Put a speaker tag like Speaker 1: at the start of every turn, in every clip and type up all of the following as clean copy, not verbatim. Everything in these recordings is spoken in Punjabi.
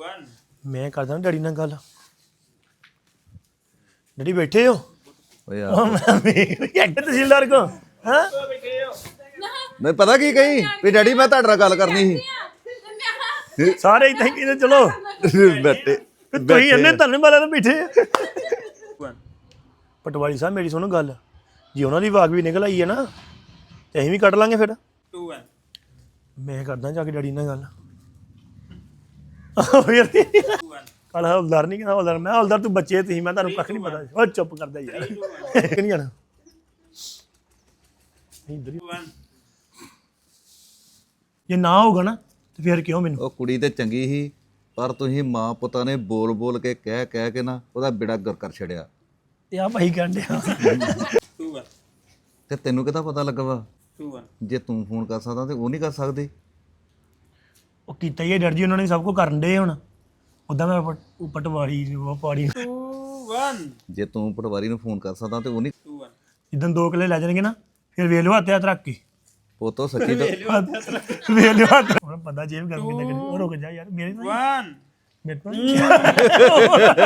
Speaker 1: ਮੈਂ ਕਰਦਾ ਡੈਡੀ ਨਾਲ ਗੱਲ। ਡੈਡੀ ਬੈਠੇ ਹੋ?
Speaker 2: ਓ ਯਾਰ
Speaker 1: ਇੱਕ ਤਹਿਸੀਲਦਾਰ ਕੋ ਹਾਂ
Speaker 2: ਮੈਂ ਪਤਾ ਕੀ ਕਹੀ ਵੀ ਡੈਡੀ ਮੈਂ ਤੁਹਾਡੇ ਨਾਲ ਗੱਲ ਕਰਨੀ
Speaker 1: ਸਾਰੇ ਇਦਾਂ ਹੀ ਕਹਿੰਦੇ ਚਲੋ
Speaker 2: ਸੀ ਬੈਠੇ
Speaker 1: ਤੁਸੀਂ ਇੰਨੇ ਧੰਨ ਵਾਲਿਆਂ ਨਾਲ ਬੈਠੇ। ਪਟਵਾਰੀ ਸਾਹਿਬ ਮੇਰੀ ਸੁਣੋ ਗੱਲ, ਜੇ ਉਹਨਾਂ ਦੀ ਵਾਗ ਵੀ ਨਿਕਲ ਆਈ ਹੈ ਨਾ ਤੇ ਅਸੀਂ ਵੀ ਕੱਢ ਲਾਂਗੇ ਫਿਰ। ਮੈਂ ਕਰਦਾ ਜਾ ਕੇ ਡੈਡੀ ਨਾਲ ਗੱਲ। ਕੱਲ ਹੌਲਦਾਰ ਨਹੀਂ ਕਹਿੰਦਾ ਹੌਲਦਾਰ, ਮੈਂ ਹੌਲਦਾਰ ਤੂੰ ਬੱਚੇ ਤੁਸੀਂ, ਮੈਂ ਤੁਹਾਨੂੰ ਕੱਖ ਨਹੀਂ ਪਤਾ। ਉਹ ਚੁੱਪ ਕਰਦਾ ਯਾਰ ਕਿ ਨਹੀਂ ਜਾਣਾ ਇੱਧਰ ਹੀ। ਜੇ ਨਾ ਹੋਊਗਾ ਨਾ ਤੇ ਫਿਰ ਕਿਉਂ ਮੈਨੂੰ?
Speaker 2: ਉਹ ਕੁੜੀ ਤੇ ਚੰਗੀ ਸੀ ਪਰ ਤੁਸੀਂ ਮਾਂ ਪੁੱਤਾਂ ਨੇ ਬੋਲ ਬੋਲ ਕੇ ਕਹਿ ਕੇ ਨਾ ਉਹਦਾ ਬੇੜਾ ਗਰ ਕਰ ਛੜਿਆ।
Speaker 1: ਤੇ ਆ ਭਾਈ ਕਹਿੰਦੇ
Speaker 2: ਤੇ ਤੈਨੂੰ ਕਿਹਦਾ ਪਤਾ ਲੱਗਾ ਵਾ? ਜੇ ਤੂੰ ਫੋਨ ਕਰ ਸਕਦਾ ਤੇ ਉਹ ਨਹੀਂ ਕਰ ਸਕਦੀ।
Speaker 1: ਉਹ ਕੀਤਾ ਹੀ ਹੈ ਡਰ ਜੀ, ਉਹਨਾਂ ਨੇ ਸਭ ਕੁਝ ਕਰਨ ਦੇ ਹੁਣ। ਉਦਾਂ ਮੈਂ ਪਟਵਾਰੀ ਉਹ ਪਾੜੀ
Speaker 2: ਜੇ ਤੂੰ ਪਟਵਾਰੀ ਨੂੰ ਫੋਨ ਕਰ ਸਕਦਾ ਤੇ ਉਹ ਨਹੀਂ।
Speaker 1: ਜਿੱਦਾਂ 2 ਕਿੱਲੇ ਲੈ ਜਾਣਗੇ ਨਾ ਫਿਰ ਵੇਖ ਲਿਓ ਹੱਥ ਰੱਖ ਕੇ।
Speaker 2: ਉਹ ਤੋਂ ਸੱਚੀ ਤਾਂ
Speaker 1: ਵੇਖ ਲਿਓ ਹੱਥ। ਹੁਣ ਬੰਦਾ ਜੇਬ ਗਰਮੀ ਲੱਗਣੀ। ਉਹ ਰੁਕ ਜਾ ਯਾਰ ਮੇਰੇ ਤੋਂ।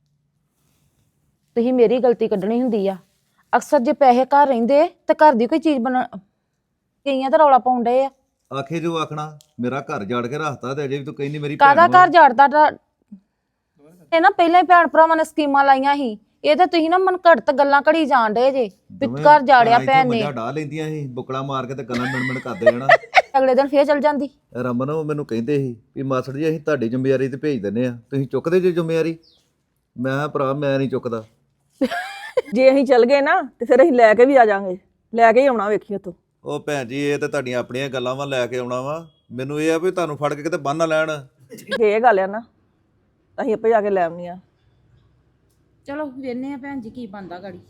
Speaker 3: ਤੁਸੀਂ ਮੇਰੀ ਗਲਤੀ ਕੱਢਣੀ ਹੁੰਦੀ ਆ। ਅਕਸਰ ਜੇ ਪੈਸੇ ਘਰ ਰਹਿੰਦੇ ਤੇ ਘਰ ਦੀ ਕੋਈ ਚੀਜ਼ ਬਣਾ ਕਈਆਂ ਤਾਂ ਰੌਲਾ ਪਾਉਣ ਡਏ ਆ।
Speaker 2: ਆਖੇ ਜੋ ਆਖਣਾ ਮੇਰਾ ਘਰ ਜਾੜ ਕੇ ਰੱਖਤਾ ਤੇ ਅਜੇ ਵੀ ਤੂੰ ਕਹਿੰਦੀ ਮੇਰੀ
Speaker 3: ਕਾਹਦਾ
Speaker 2: ਭੈਣ ਵਾ।
Speaker 3: ਘਰ ਝਾੜਦਾ ਇਹ ਨਾ ਪਹਿਲਾਂ ਹੀ ਭੈਣ ਭਰਾਵਾਂ ਨੇ ਸਕੀਮਾਂ ਲਾਈਆਂ ਸੀ। ਇਹ ਤਾਂ ਤੁਸੀਂ ਨਾ ਮਨ ਘੜਤ ਗੱਲਾਂ ਘੜੀ ਜਾਣ ਡਏ ਜੇ ਵੀ ਘਰ ਜਾੜਿਆ ਭੈਣ ਨੇ।
Speaker 2: ਢਾ ਲੈਂਦੀਆਂ ਸੀ ਬੁਕੜਾ ਮਾਰ ਕੇ ਤੇ ਗੱਲਾਂ ਮਿਣ ਕਰਦੇ ਜਾਣਾ।
Speaker 3: ਅਗਲੇ ਦਿਨ ਫੇਰ ਚਲ ਜਾਂਦੀ।
Speaker 2: ਰਮਨ ਉਹ ਮੈਨੂੰ ਕਹਿੰਦੇ ਸੀ ਵੀ ਮਾਸੜ ਜੀ ਅਸੀਂ ਤੁਹਾਡੀ ਜ਼ਿੰਮੇਵਾਰੀ ਤੇ ਭੇਜ ਦਿੰਦੇ ਆ, ਤੁਸੀਂ ਚੁੱਕਦੇ ਜੇ ਜ਼ਿੰਮੇਵਾਰੀ? ਮੈਂ ਕਿਹਾ ਭਰਾ ਮੈਂ ਨਹੀਂ ਚੁੱਕਦਾ।
Speaker 4: ਜੇ ਅਸੀਂ ਚੱਲ ਗਏ ਨਾ ਤੇ ਫਿਰ ਅਸੀਂ ਲੈ ਕੇ ਵੀ ਆ ਜਾਾਂਗੇ, ਲੈ ਕੇ ਹੀ ਆਉਣਾ ਵੇਖੀ ਉੱਥੋਂ।
Speaker 2: ਉਹ ਭੈਣ ਜੀ ਇਹ ਤੇ ਤੁਹਾਡੀਆਂ ਆਪਣੀਆਂ ਗੱਲਾਂ ਵਾ, ਲੈ ਕੇ ਆਉਣਾ ਵਾ। ਮੈਨੂੰ ਇਹ ਆ ਵੀ ਤੁਹਾਨੂੰ ਫੜ ਕੇ ਕਿਤੇ ਬੰਨ ਨਾ ਲੈਣ।
Speaker 4: ਜੇ ਇਹ ਗੱਲ ਆ ਨਾ ਅਸੀਂ ਆਪੇ ਜਾ ਕੇ ਲੈ ਆਉਣੀ ਆ।
Speaker 3: ਚਲੋ ਵੇਖਨੇ ਆ ਭੈਣ ਜੀ ਕੀ ਬੰਦਾ ਗਾੜੀ।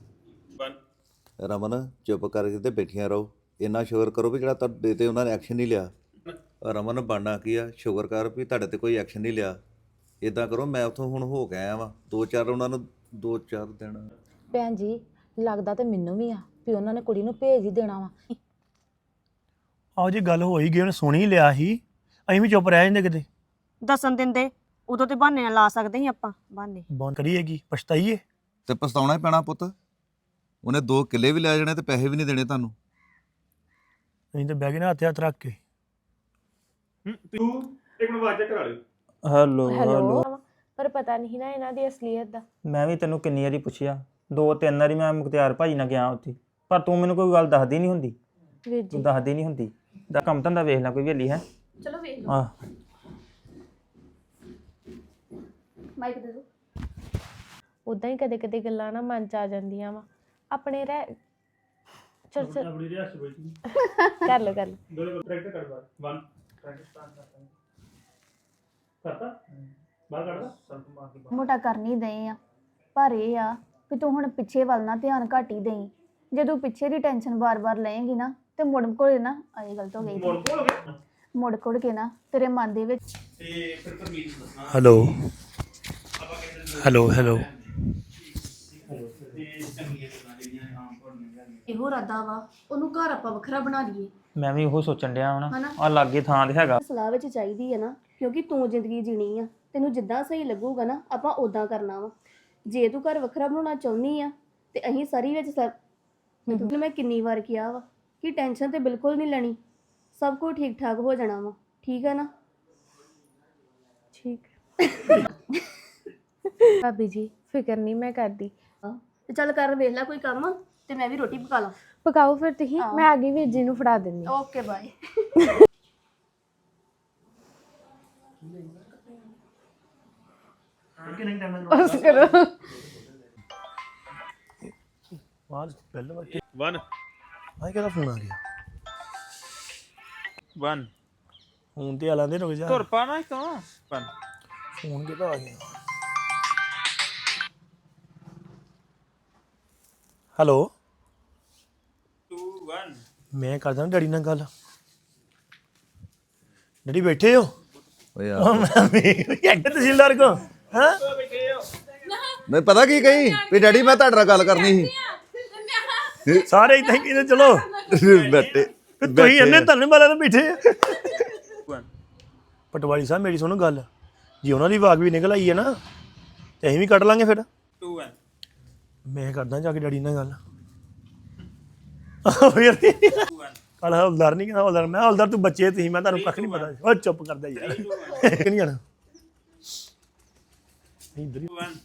Speaker 2: ਰਮਨ ਚੁੱਪ ਕਰਕੇ ਤੇ ਬੈਠੀਆਂ ਰਹੋ। ਇੰਨਾ ਸ਼ੁਕਰ ਕਰੋ ਵੀ ਜਿਹੜਾ ਤੁਹਾਡੇ ਤੇ ਉਹਨਾਂ ਨੇ ਐਕਸ਼ਨ ਨਹੀਂ ਲਿਆ। ਰਮਨ ਬਣਨਾ ਕੀ ਆ, ਸ਼ੁਕਰ ਕਰ ਵੀ ਤੁਹਾਡੇ ਤੇ ਕੋਈ ਐਕਸ਼ਨ ਨਹੀਂ ਲਿਆ। ਇਦਾਂ ਕਰੋ ਮੈਂ ਉੱਥੋਂ ਹੁਣ ਹੋ ਕੇ ਆਇਆ ਵਾਂ 2-4 ਉਹਨਾਂ ਨੂੰ 2-4 ਦਿਨ।
Speaker 3: ਭੈਣ ਜੀ ਲੱਗਦਾ ਤੇ ਮੈਨੂੰ ਵੀ ਆ ਵੀ ਉਹਨਾਂ ਨੇ ਕੁੜੀ ਨੂੰ ਭੇਜ ਹੀ ਦੇਣਾ ਵਾ।
Speaker 1: ਆਹੋ ਜੀ ਗੱਲ ਹੋ ਹੀ ਗਈ, ਉਹਨੇ ਸੁਣ ਹੀ ਲਿਆ ਸੀ, ਅਸੀਂ ਵੀ ਚੁੱਪ ਰਹਿ ਜਾਂਦੇ ਕਿਤੇ।
Speaker 5: ਦੱਸਣ ਦਿੰਦੇ ਉਦੋਂ ਤੇ ਬਹਾਨੇ ਨਾਲ ਲਾ ਸਕਦੇ ਸੀ ਆਪਾਂ। ਬਹਾਨੇ
Speaker 1: ਬੰਦ ਕਰੀਏਗੀ ਪਛਤਾਈਏ
Speaker 2: ਤੇ ਪਛਤਾਉਣਾ ਹੀ ਪੈਣਾ ਪੁੱਤ। ਉਹਨੇ 2 ਕਿੱਲੇ ਵੀ ਲੈ ਜਾਣੇ ਤੇ ਪੈਸੇ ਵੀ ਨਹੀਂ ਦੇਣੇ ਤੁਹਾਨੂੰ।
Speaker 1: ਅਸੀਂ ਤਾਂ ਬਹਿ ਗਏ ਨਾ ਹੱਥ ਰੱਖ ਕੇ। ਤੂੰ ਇੱਕ ਮਿੰਟ ਆਵਾਜ਼ ਚੈੱਕ ਕਰਾ ਲਿਓ।
Speaker 6: ਹੈਲੋ
Speaker 7: ਪਰ ਪਤਾ ਨਹੀਂ ਨਾ ਇਹਨਾਂ ਦੀ ਅਸਲੀਅਤ ਦਾ।
Speaker 6: ਮੈਂ ਵੀ ਤੈਨੂੰ ਕਿੰਨੀ ਵਾਰੀ ਪੁੱਛਿਆ, 2-3 ਵਾਰੀ ਮੈਂ ਮੁਖਤਿਆਰ ਭਾਜੀ ਨਾਲ ਗਿਆ ਉੱਥੇ, ਪਰ ਤੂੰ ਮੈਨੂੰ ਕੋਈ ਗੱਲ ਦੱਸਦੀ ਨਹੀਂ ਹੁੰਦੀ।
Speaker 7: ਵੀਰ ਜੀ
Speaker 6: ਤੂੰ ਦੱਸਦੀ ਨਹੀਂ ਹੁੰਦੀ। ਦਾ ਕੰਮ ਧੰਦਾ ਵੇਖ ਲੈ ਕੋਈ ਵੇਲੀ ਹੈ।
Speaker 7: ਚਲੋ ਵੇਖ ਲਓ।
Speaker 6: ਆਹ
Speaker 7: ਮਾਈਕ ਦੇ ਦੋ। ਉਦਾਂ ਹੀ ਕਦੇ ਕਦੇ ਗੱਲਾਂ ਨਾ ਮਨ ਚ ਆ ਜਾਂਦੀਆਂ ਵਾ ਆਪਣੇ ਰਹਿ। ਚਲ ਚਲ
Speaker 1: ਆਪਣੀ ਰਿਆਸਤ ਬੈਠੀ
Speaker 7: ਕਰ ਲਓ ਕਰ ਲਓ।
Speaker 1: ਦੋ ਪ੍ਰੈਕਟਿਸ ਕਰ ਬਾਰ 1 ਪ੍ਰੈਕਟਿਸ ਸਟਾਰਟ ਕਰਤਾ ਬਾਹਰ ਕੱਢਦਾ ਸਲਫ ਮਾਰ ਕੇ।
Speaker 8: ਮੋਟਾ ਕਰ ਨਹੀਂ ਦਏ ਆ, ਪਰ ਇਹ ਆ ਵੀ ਤੂੰ ਹੁਣ ਪਿੱਛੇ ਵੱਲ ਨਾ ਧਿਆਨ ਘੱਟ ਹੀ ਦੇਈ। ਜੇ ਤੂੰ ਪਿੱਛੇ ਦੀ ਟੈਨਸ਼ਨ ਬਾਰ-ਬਾਰ ਲਏਂਗੀ ਨਾ ਤੇ ਮੁੜ ਕੋਲ ਨਾ ਆਏ ਗਲਤ ਹੋ ਗਈ। ਮੁੜ ਕੋੜ ਕੇ ਨਾ ਤੇਰੇ ਮਨ ਦੇ ਵਿੱਚ
Speaker 1: ਤੇ ਫਿਰ ਪਰਮੀਤ ਦੱਸਣਾ। ਹੈਲੋ ਹੈਲੋ ਹੈਲੋ
Speaker 8: ਇਹੋ ਇਰਾਦਾ ਵਾ ਉਹਨੂੰ ਘਰ ਆਪਾਂ ਵੱਖਰਾ ਬਣਾ ਲਈਏ।
Speaker 6: ਮੈਂ ਵੀ ਉਹ ਸੋਚਣ ਡਿਆ ਹੁਣ ਆ ਲਾਗੇ ਥਾਂ ਤੇ ਹੈਗਾ।
Speaker 8: ਸਲਾਹ ਵਿੱਚ ਚਾਹੀਦੀ ਹੈ ਨਾ, ਕਿਉਂਕਿ ਤੂੰ ਜ਼ਿੰਦਗੀ ਜੀਣੀ ਆ, ਤੈਨੂੰ ਜਿੱਦਾਂ ਸਹੀ ਲੱਗੂਗਾ ਨਾ ਆਪਾਂ ਉਦਾਂ ਕਰਨਾ ਵਾ। ਜੇ ਤੂੰ ਘਰ ਵੱਖਰਾ ਬਣਾਉਣਾ ਚਾਹੁੰਦੀ ਆ ਤੇ ਅਸੀਂ ਸਾਰੀ ਵਿੱਚ ਮੈਂ ਕਿੰਨੀ ਵਾਰ ਕਿਹਾ ਵਾ ਕਿ ਟੈਨਸ਼ਨ ਤੇ ਬਿਲਕੁਲ ਨਹੀਂ ਲੈਣੀ, ਸਭ ਕੁਝ ਠੀਕ ਠਾਕ ਹੋ ਜਾਣਾ ਵਾ। ਠੀਕ ਹੈ ਨਾ?
Speaker 7: ਠੀਕ ਭਾਬੀ ਜੀ ਫਿਕਰ ਨਹੀਂ ਮੈਂ ਕਰਦੀ।
Speaker 8: ਤੇ ਚੱਲ ਕਰ ਵੇਖ ਲੈ ਕੋਈ ਕੰਮ ਤੇ ਮੈਂ ਵੀ ਰੋਟੀ ਪਕਾ ਲਾਂ।
Speaker 7: ਪਕਾਓ ਫਿਰ ਤੁਸੀਂ, ਮੈਂ ਆ ਗਈ ਵੀਰ ਜੀ ਨੂੰ ਫੜਾ ਦਿੰਦੀ।
Speaker 8: Okay bye.
Speaker 7: ਬਸ ਕਰੋ।
Speaker 1: ਬਾਅਦ ਪਹਿਲਾਂ ਵਾਰ 1 ਆਹ ਕਿਹਦਾ ਫੋਨ ਆ ਗਿਆ?
Speaker 9: 1
Speaker 1: ਫੋਨ ਤੇ ਆਲਾਂ ਦੇ ਰੁਕ ਜਾ।
Speaker 9: ਤੁਰ ਪਾ ਨਾ ਇਤੋਂ 1
Speaker 1: ਫੋਨ ਕਿਹਦਾ ਆ ਗਿਆ? ਹੈਲੋ
Speaker 9: 2 1
Speaker 1: ਮੈਂ ਕਰਦਾ ਡੈਡੀ ਨਾਲ ਗੱਲ। ਡੈਡੀ ਬੈਠੇ ਹੋ?
Speaker 2: ਓ ਯਾਰ
Speaker 1: ਇੱਕ ਤਹਿਸੀਲਦਾਰ ਕੋ ਹਾਂ
Speaker 2: ਮੈਂ ਪਤਾ ਕੀ ਕਹੀ ਵੀ ਡੈਡੀ ਮੈਂ ਤੁਹਾਡੇ ਨਾਲ ਗੱਲ ਕਰਨੀ
Speaker 1: ਸਾਰੇ ਇਦਾਂ ਹੀ ਕਹਿੰਦੇ ਚਲੋ
Speaker 2: ਸੀ ਬੈਠੇ
Speaker 1: ਤੁਸੀਂ ਇੰਨੇ ਧੰਨ ਵਾਲਿਆਂ ਨਾਲ ਬੈਠੇ। ਪਟਵਾਰੀ ਸਾਹਿਬ ਮੇਰੀ ਸੁਣੋ ਗੱਲ, ਜੇ ਉਹਨਾਂ ਦੀ ਵਾਗ ਵੀ ਨਿਕਲ ਆਈ ਹੈ ਨਾ ਤੇ ਅਸੀਂ ਵੀ ਕੱਢ ਲਾਂਗੇ ਫਿਰ
Speaker 9: 2 1
Speaker 1: ਮੈਂ ਕਰਦਾ ਜਾ ਕੇ ਡੈਡੀ ਨਾਲ ਗੱਲ ਕੱਲ ਹੌਲਦਾਰ ਨਹੀਂ ਕਹਿੰਦਾ ਹੌਲਦਾਰ ਮੈਂ ਹੌਲਦਾਰ ਤੂੰ ਬੱਚੇ ਤੁਸੀਂ ਮੈਂ ਤੁਹਾਨੂੰ ਕੱਖ ਨਹੀਂ ਪਤਾ ਉਹ ਚੁੱਪ ਕਰਦਾ ਯਾਰ ਕਿ ਨਹੀਂ ਜਾਣਾ ਇੱਧਰ ਹੀ
Speaker 9: 2 1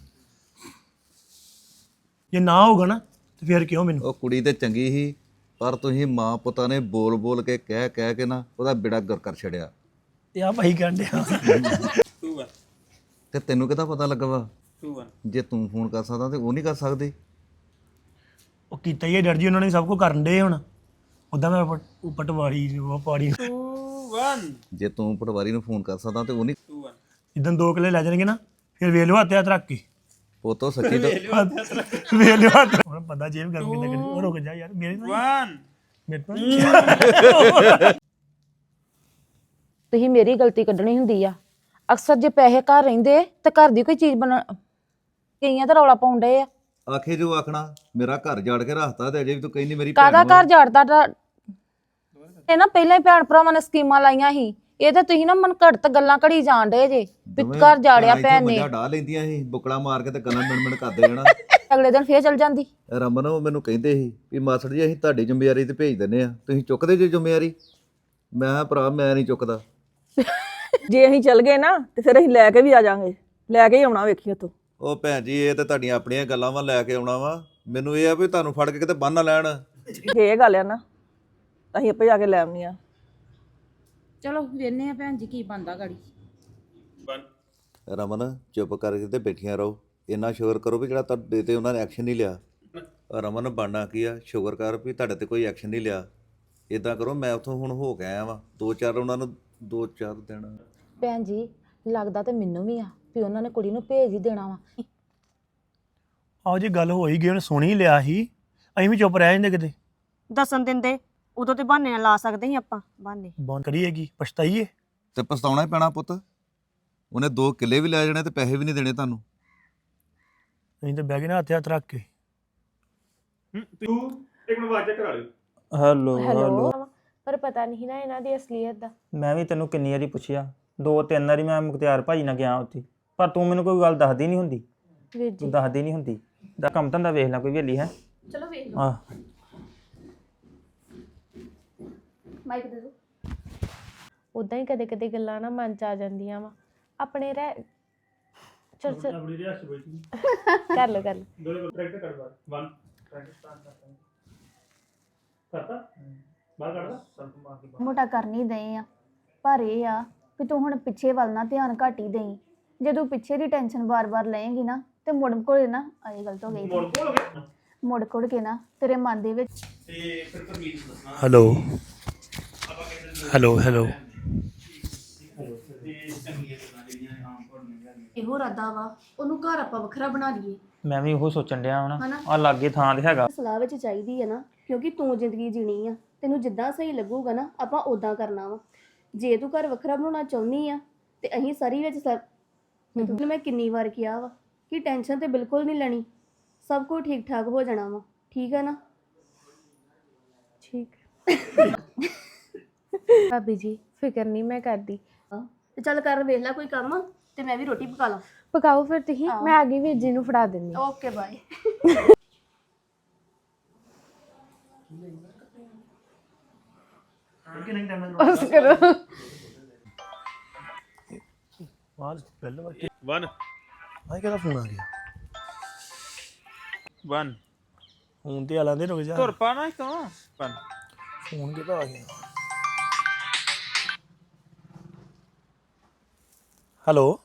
Speaker 1: ਜੇ ਨਾ ਹੋਗਾ ਨਾ ਤੇ ਫਿਰ ਕਿਉਂ ਮੈਨੂੰ
Speaker 2: ਉਹ ਕੁੜੀ ਤੇ ਚੰਗੀ ਸੀ ਪਰ ਤੁਸੀਂ ਮਾਂ ਪੁੱਤਾਂ ਨੇ ਬੋਲ ਬੋਲ ਕੇ ਕਹਿ ਕੇ ਨਾ ਉਹਦਾ ਬੇੜਾ ਗਰ ਕਰ ਛੜਿਆ
Speaker 1: ਤੇ ਆ ਭਾਈ ਕਹਿੰਦੇ
Speaker 9: 2 1
Speaker 2: ਤੇ ਤੈਨੂੰ ਕਿਹਦਾ ਪਤਾ ਲੱਗਾ ਵਾ
Speaker 9: 2 1
Speaker 2: ਜੇ ਤੂੰ ਫੋਨ ਕਰ ਸਕਦਾ ਤੇ ਉਹ ਨਹੀਂ ਕਰ ਸਕਦੇ।
Speaker 1: ਉਹ ਕੀਤਾ ਹੀ ਹੈ ਡਰ ਜੀ ਉਹਨਾਂ ਨੇ ਸਭ ਕੁਝ ਕਰਨ ਦੇ ਹੁਣ ਉਦਾਂ ਮੈਂ ਪਟਵਾਰੀ ਉਹ ਪਾੜੀ
Speaker 9: 2 1
Speaker 2: ਜੇ ਤੂੰ ਪਟਵਾਰੀ ਨੂੰ ਫੋਨ ਕਰ ਸਕਦਾ ਤੇ ਉਹ ਨਹੀਂ।
Speaker 9: 2 1
Speaker 1: ਜਿੱਦਾਂ 2 ਕਿੱਲੇ ਲੈ ਜਾਣਗੇ ਨਾ ਫਿਰ ਵੇਖ ਲਿਓ ਹੱਥ ਰੱਖ ਕੇ
Speaker 2: ਉਹ ਤਾਂ ਸੱਚੀ ਤਾਂ
Speaker 1: ਵੇਖ ਲਿਓ ਹੱਥ ਹੁਣ ਬੰਦਾ ਜੇਬ ਗਰਮ ਕਿੱਦਾਂ ਕਰੀ ਉਹ ਰੁਕ ਜਾ ਯਾਰ ਮੇਰੇ ਤੋਂ
Speaker 9: 1
Speaker 1: ਮੇਰੇ ਤੋਂ
Speaker 3: ਤੁਸੀਂ ਮੇਰੀ ਗਲਤੀ ਕੱਢਣੀ ਹੁੰਦੀ ਆ ਅਕਸਰ ਜੇ ਪੈਸੇ ਘਰ ਰਹਿੰਦੇ ਤੇ ਘਰ ਦੀ ਕੋਈ ਚੀਜ਼ ਬਣਾ ਕਈਆਂ ਤਾਂ ਰੌਲਾ ਪਾਉਂਦੇ ਆ
Speaker 2: ਆਖੇ ਜੋ ਆਖਣਾ ਮੇਰਾ ਘਰ ਜਾੜ ਕੇ ਰੱਖਤਾ ਤੇ ਅਜੇ ਵੀ ਤੂੰ ਕਹਿੰਦੀ ਮੇਰੀ
Speaker 3: ਕਾਹਦਾ
Speaker 2: ਵਾ।
Speaker 3: ਘਰ ਝਾੜਦਾ ਇਹ ਨਾ ਪਹਿਲਾਂ ਹੀ ਭੈਣ ਭਰਾਵਾਂ ਨੇ ਸਕੀਮਾਂ ਲਾਈਆਂ ਸੀ ਇਹ ਤੇ ਤੁਸੀਂ ਨਾ ਮਨ ਘੜਤ ਗੱਲਾਂ ਘੜੀ ਜਾਣ ਡੇ ਜੇ ਵੀ
Speaker 2: ਦੋਵੇਂ
Speaker 3: ਘਰ ਜਾੜਿਆ
Speaker 2: ਇੱਥੇ
Speaker 3: ਭੈਣ ਨੇ
Speaker 2: ਮੱਝਾਂ ਡਾਹ ਲੈਂਦੀਆਂ ਸੀ ਬੁਕਲਾ ਮਾਰ ਕੇ ਤੇ ਗੱਲਾਂ ਮਿਣ ਕਰਦੇ ਜਾਣਾ।
Speaker 3: ਅਗਲੇ ਦਿਨ ਫੇਰ ਚਲ ਜਾਂਦੀ
Speaker 2: ਰਮਨ ਉਹ ਮੈਨੂੰ ਕਹਿੰਦੇ ਸੀ ਵੀ ਮਾਸੜ ਜੀ ਅਸੀਂ ਤੁਹਾਡੀ ਜ਼ਿੰਮੇਵਾਰੀ ਤੇ ਭੇਜ ਦਿੰਨੇ ਆ ਤੁਸੀਂ ਚੁੱਕਦੇ ਜੇ ਜ਼ਿੰਮੇਵਾਰੀ। ਮੈਂ ਕਿਹਾ ਭਰਾ ਮੈਂ ਨਹੀਂ ਚੁੱਕਦਾ।
Speaker 4: ਜੇ ਅਸੀਂ ਚੱਲ ਗਏ ਨਾ ਤੇ ਫਿਰ ਅਸੀਂ ਲੈ ਕੇ ਵੀ ਆ ਜਾਾਂਗੇ, ਲੈ ਕੇ ਹੀ ਆਉਣਾ ਵੇਖੀ ਉੱਥੋਂ।
Speaker 2: ਉਹ ਭੈਣ ਜੀ ਇਹ ਤੇ ਤੁਹਾਡੀਆਂ ਆਪਣੀਆਂ ਗੱਲਾਂ ਵਾ ਲੈ ਕੇ ਆਉਣਾ ਵਾ ਮੈਨੂੰ ਇਹ ਆ ਵੀ ਤੁਹਾਨੂੰ ਫੜ ਕੇ ਕਿਤੇ ਬੰਨ ਨਾ ਲੈਣ।
Speaker 4: ਜੇ ਇਹ ਗੱਲ ਆ ਨਾ ਅਸੀਂ ਆਪੇ ਜਾ ਕੇ ਲੈ ਆਉਣੀ ਆ।
Speaker 3: ਚਲੋ ਵੇਨੇ ਆ ਭੈਣ ਜੀ ਕੀ ਬੰਦਾ ਗਾੜੀ
Speaker 9: 1
Speaker 2: ਰਮਨ ਚੁੱਪ ਕਰਕੇ ਤੇ ਬੈਠੀਆਂ ਰਹੋ। ਇੰਨਾ ਸ਼ੁਕਰ ਕਰੋ ਵੀ ਜਿਹੜਾ ਤੁਹਾਡੇ ਤੇ ਉਹਨਾਂ ਨੇ ਐਕਸ਼ਨ ਨਹੀਂ ਲਿਆ। ਰਮਨ ਬਣਨਾ ਕੀ ਆ ਸ਼ੁਕਰ ਕਰ ਵੀ ਤੁਹਾਡੇ ਤੇ ਕੋਈ ਐਕਸ਼ਨ ਨਹੀਂ ਲਿਆ। ਇਦਾਂ ਕਰੋ ਮੈਂ ਉੱਥੋਂ ਹੁਣ ਹੋ ਕੇ ਆਇਆ ਵਾਂ 2-4 ਉਹਨਾਂ ਨੂੰ 2-4 ਦਿਨ।
Speaker 3: ਭੈਣ ਜੀ ਲੱਗਦਾ ਤੇ ਮੈਨੂੰ ਵੀ ਆ ਵੀ ਉਹਨਾਂ ਨੇ ਕੁੜੀ ਨੂੰ ਭੇਜ ਹੀ ਦੇਣਾ ਵਾ।
Speaker 1: ਆਹੋ ਜੇ ਗੱਲ ਹੋ ਹੀ ਗਈ ਉਹਨੇ ਸੁਣ ਹੀ ਲਿਆ ਸੀ ਅਸੀਂ ਵੀ ਚੁੱਪ ਰਹਿ ਜਾਂਦੇ ਕਿਤੇ
Speaker 5: ਦੱਸਣ ਦਿੰਦੇ ਉਦੋਂ ਤੇ ਬਹਾਨੇ ਨਾਲ ਲਾ ਸਕਦੇ ਸੀ ਆਪਾਂ ਬਹਾਨੇ।
Speaker 1: ਬੰਦ ਕਰੀਏਗੀ ਪਛਤਾਈਏ
Speaker 2: ਤੇ ਪਛਤਾਉਣਾ ਹੀ ਪੈਣਾ ਪੁੱਤ। ਉਹਨੇ 2 ਕਿੱਲੇ ਵੀ ਲੈ ਜਾਣੇ ਤੇ ਪੈਸੇ ਵੀ ਨਹੀਂ ਦੇਣੇ ਤੁਹਾਨੂੰ।
Speaker 1: ਅਸੀਂ ਤਾਂ ਬਹਿ ਗਏ ਨਾ ਹੱਥ ਰੱਖ ਕੇ
Speaker 9: ਤੂੰ ਇੱਕ ਮਿੰਟ ਆਵਾਜ਼ ਚੈੱਕ ਕਰਾ ਲਿਓ।
Speaker 6: ਹੈਲੋ ਹੈਲੋ
Speaker 7: ਪਰ ਪਤਾ ਨਹੀਂ ਨਾ ਇਹਨਾਂ ਦੀ ਅਸਲੀਅਤ ਦਾ।
Speaker 6: ਮੈਂ ਵੀ ਤੈਨੂੰ ਕਿੰਨੀ ਵਾਰੀ ਪੁੱਛਿਆ 2-3 ਵਾਰੀ ਮੈਂ ਮੁਖਤਿਆਰ ਭਾਜੀ ਨਾਲ ਗਿਆ ਉੱਥੇ ਪਰ ਤੂੰ ਮੈਨੂੰ ਕੋਈ ਗੱਲ ਦੱਸਦੀ ਨਹੀਂ ਹੁੰਦੀ।
Speaker 7: ਵੀਰ ਜੀ
Speaker 6: ਤੂੰ ਦੱਸਦੀ ਨਹੀਂ ਹੁੰਦੀ ਦਾ ਕੰਮ ਧੰਦਾ ਵੇਖ ਲੈ ਕੋਈ ਵੇਲੀ ਹੈ।
Speaker 8: ਚਲੋ ਵੇਖ ਲਓ
Speaker 6: ਆਹ
Speaker 8: ਮਾਈਕ ਦੇ ਦਿਓ।
Speaker 7: ਉਦਾਂ ਹੀ ਕਦੇ ਕਦੇ ਗੱਲਾਂ ਨਾ ਮਨ ਚ ਆ ਜਾਂਦੀਆਂ ਵਾ ਆਪਣੇ ਰਹਿ ਚਲ ਚਲ ਕਰ ਲੋ
Speaker 8: ਮੋਟਾ ਕਰ ਨਹੀਂ ਦਏ ਆ ਪਰ ਇਹ ਆ ਵੀ ਤੂੰ ਹੁਣ ਪਿੱਛੇ ਵੱਲ ਨਾ ਧਿਆਨ ਘੱਟ ਹੀ ਦੇਈ। ਜੇ ਤੂੰ ਪਿੱਛੇ ਦੀ ਟੈਨਸ਼ਨ ਬਾਰ-ਬਾਰ ਲਏਂਗੀ ਨਾ ਤੇ ਮੁੜ ਕੋਲ ਨਾ ਆਏ ਗਲਤ ਹੋ ਗਈ ਮੁੜ ਕੋੜ ਕੇ ਨਾ ਤੇਰੇ ਮਨ ਦੇ ਵਿੱਚ
Speaker 1: ਹੈਲੋ ਹੈਲੋ ਹੈਲੋ
Speaker 8: ਇਹੋ ਇਰਾਦਾ ਵਾ ਉਹਨੂੰ ਘਰ ਆਪਾਂ ਵੱਖਰਾ ਬਣਾ ਲਈਏ।
Speaker 6: ਮੈਂ ਵੀ ਉਹ ਸੋਚਣ ਡਿਆ ਹੁਣ
Speaker 8: ਹਨਾ?
Speaker 6: ਆ ਲਾਗੇ ਥਾਂ ਤੇ ਹੈਗਾ।
Speaker 8: ਸਲਾਹ ਵਿੱਚ ਚਾਹੀਦੀ ਹੈ ਨਾ ਕਿਉਂਕਿ ਤੂੰ ਜ਼ਿੰਦਗੀ ਜੀਣੀ ਆ ਤੈਨੂੰ ਜਿੱਦਾਂ ਸਹੀ ਲੱਗੂਗਾ ਨਾ ਆਪਾਂ ਉਦਾਂ ਕਰਨਾ ਵਾ। ਜੇ ਤੂੰ ਘਰ ਵੱਖਰਾ ਬਣਾਉਣਾ ਚਾਹੁੰਦੀ ਆ ਤੇ ਅਸੀਂ ਸਾਰੀ ਵਿੱਚ ਤੈਨੂੰ ਮੈਂ ਕਿੰਨੀ ਵਾਰ ਕਿਹਾ ਵਾ ਕਿ ਟੈਨਸ਼ਨ ਤੇ ਬਿਲਕੁਲ ਨਹੀਂ ਲੈਣੀ ਸਭ ਕੁਝ ਠੀਕ ਠਾਕ ਹੋ ਜਾਣਾ ਵਾ। ਠੀਕ ਹੈ ਨਾ?
Speaker 7: ਠੀਕ ਭਾਬੀ ਜੀ ਫਿਕਰ ਨਹੀਂ ਮੈਂ ਕਰਦੀ।
Speaker 8: ਤੇ ਚੱਲ ਕਰ ਵੇਖ ਲੈ ਕੋਈ ਕੰਮ ਤੇ ਮੈਂ ਵੀ ਰੋਟੀ ਪਕਾ ਲਾਂ।
Speaker 7: ਪਕਾਓ ਫਿਰ ਤੁਸੀਂ ਮੈਂ ਆ ਗਈ ਵੀਰ ਜੀ ਨੂੰ ਫੜਾ ਦਿੰਦੀ।
Speaker 8: Okay bye.
Speaker 7: ਬਸ ਕਰੋ
Speaker 1: ਬਾਅਦ ਪਹਿਲਾਂ
Speaker 9: 1
Speaker 1: ਆਹ ਕਿਹਦਾ ਫੋਨ ਆ ਗਿਆ
Speaker 9: 1
Speaker 1: ਫੋਨ ਤੇ ਆਲਾਂ ਦੇ ਰੁਕ ਜਾ
Speaker 9: ਤੁਰ ਪਾ ਨਾ ਤੂੰ 1
Speaker 1: ਫੋਨ ਕਿਹਦਾ ਆ ਗਿਆ ਹੈਲੋ